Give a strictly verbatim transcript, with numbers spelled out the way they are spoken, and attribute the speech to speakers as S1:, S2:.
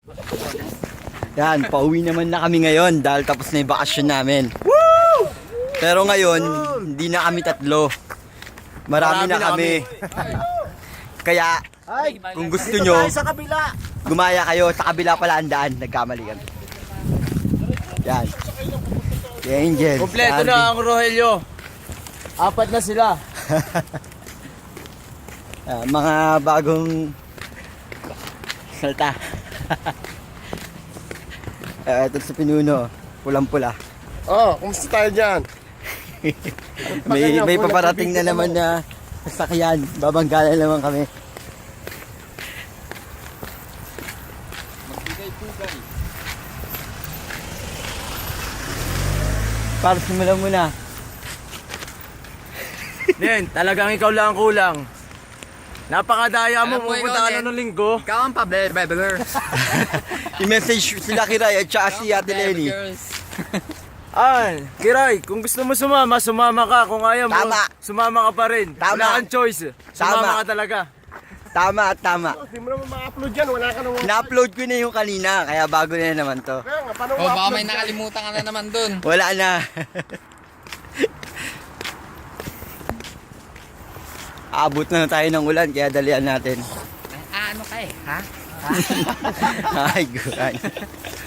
S1: Yan, pauwi naman na kami ngayon dahil tapos na yung bakasyon namin. Woo! Pero ngayon, hindi na kami tatlo. Marami, Marami na kami. Kaya,
S2: Ay,
S1: kung gusto nyo,
S2: sa kabila.
S1: gumaya kayo. Sa kabila pala ang daan. Nagkamali kami. Yan. Si Angel.
S2: Kompleto
S1: si
S2: na ang Rogelio. Apat na sila.
S1: Ah, mga bagong salta. Uh, ito sa pinuno, pulang-pula.
S2: Oh, kumusta tayo dyan?
S1: may may paparating na naman na sasakyan. Babangga na naman kami.
S2: Magbigay-pugay.
S1: Para simulan muna.
S2: Nen, talagang ikaw lang ang kulang. Napakadaya mo,
S3: Alam mo,
S2: pupunta ka
S3: ikaw,
S2: na
S3: Nen.
S2: ng linggo.
S3: Ikaw ang pabler-bebeler.
S1: I-message sila Kiray at saka si Ate Lenny.
S2: Ay, Kiray, kung gusto mo sumama, sumama ka. Kung ayaw mo,
S1: Tama.
S2: sumama ka pa rin.
S1: Tama.
S2: Wala kang choice. Sumama
S1: Tama.
S2: ka talaga.
S1: Tama at tama.
S2: Hindi mo naman ma-upload yan, wala ka naman.
S1: Na-upload ko na yung kanina, kaya bago na naman to.
S2: Kaya nga, paano
S3: O baka
S2: ma-upload
S3: may
S2: yan?
S3: nakalimutan ka na naman dun.
S1: Wala na. Aabot na tayo ng ulan, kaya dalian natin.
S3: Ah, ano ka eh, ha?
S1: Ay, guran.